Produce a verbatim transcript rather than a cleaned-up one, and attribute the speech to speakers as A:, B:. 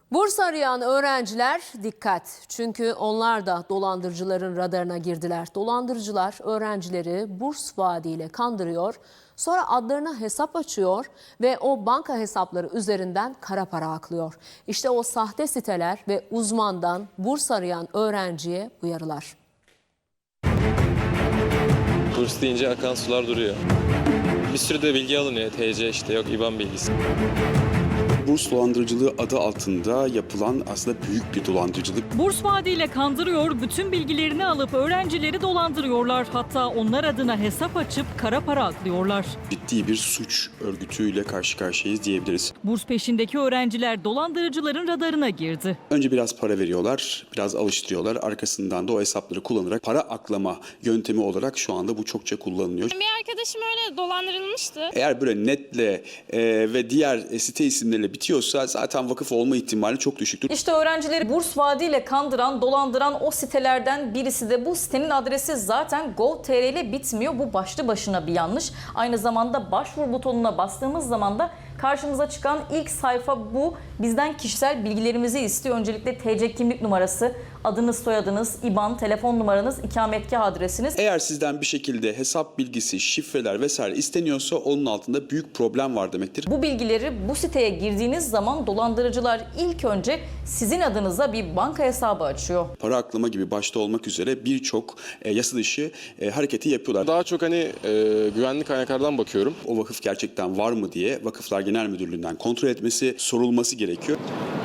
A: Burs arayan öğrenciler dikkat. Çünkü onlar da dolandırıcıların radarına girdiler. Dolandırıcılar öğrencileri burs vaadiyle kandırıyor. Sonra adlarına hesap açıyor ve o banka hesapları üzerinden kara para aklıyor. İşte o sahte siteler ve uzmandan burs arayan öğrenciye uyarılar.
B: Burs deyince akan sular duruyor. Bir sürü de bilgi alınıyor. T C işte yok İ B A N bilgisi.
C: Burs dolandırıcılığı adı altında yapılan aslında büyük bir dolandırıcılık.
D: Burs vaadiyle kandırıyor, bütün bilgilerini alıp öğrencileri dolandırıyorlar. Hatta onlar adına hesap açıp kara para aklıyorlar.
C: Ciddi bir suç örgütüyle karşı karşıyayız diyebiliriz.
D: Burs peşindeki öğrenciler dolandırıcıların radarına girdi.
C: Önce biraz para veriyorlar, biraz alıştırıyorlar. Arkasından da o hesapları kullanarak para aklama yöntemi olarak şu anda bu çokça kullanılıyor.
E: Bir arkadaşım öyle dolandırılmıştı.
C: Eğer böyle netle e, ve diğer e, site isimleriyle bitiyorsa zaten vakıf olma ihtimali çok düşüktür.
F: İşte öğrencileri burs vaadiyle kandıran, dolandıran o sitelerden birisi de bu. Sitenin adresi zaten gov nokta tr ile bitmiyor. Bu başlı başına bir yanlış. Aynı zamanda başvur butonuna bastığımız zaman da karşımıza çıkan ilk sayfa bu. Bizden kişisel bilgilerimizi istiyor. Öncelikle T C kimlik numarası, adınız, soyadınız, İ B A N, telefon numaranız, ikametgah adresiniz.
C: Eğer sizden bir şekilde hesap bilgisi, şifreler vesaire isteniyorsa onun altında büyük problem var demektir.
F: Bu bilgileri bu siteye girdiğiniz zaman dolandırıcılar ilk önce sizin adınıza bir banka hesabı açıyor.
C: Para aklama gibi başta olmak üzere birçok e, yasa dışı e, hareketi yapıyorlar.
B: Daha çok hani e, güvenlik kaynaklardan bakıyorum.
C: O vakıf gerçekten var mı diye Vakıflar Genel Müdürlüğü'nden kontrol etmesi, sorulması gerekiyor.